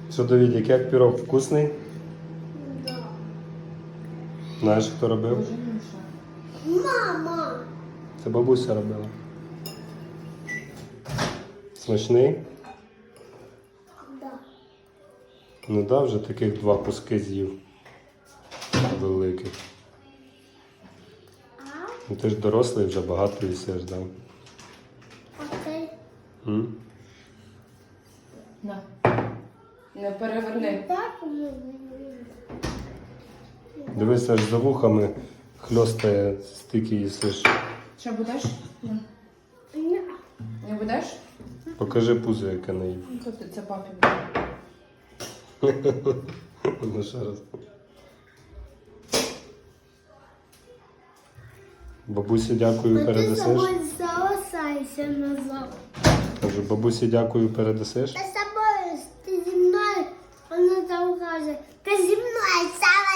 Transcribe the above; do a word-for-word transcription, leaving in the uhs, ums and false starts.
Що, Давідік, як пірог вкусний? Да. Знаєш, хто робив? Дуже інше. Мама! Це бабуся робила. Смачний? Да. Ну да, вже таких два куски з'їв. Великих. А Ну ти ж дорослий, вже багато їсиш, да? оцей М? На. Не переверни. так ми. Дивись, аж за вухами хльостає, стільки їсиш. Що будеш? На. Ні. Не будеш? Покажи пузо, яке не їв. Ну, то ти це папі буде. Ну ще раз. Бабусі дякую, А ти передасиш. собою залишайся назад. Кажу, бабусі дякую, передасиш. Та з собою, ти зі мною, вона там каже, ти зі мною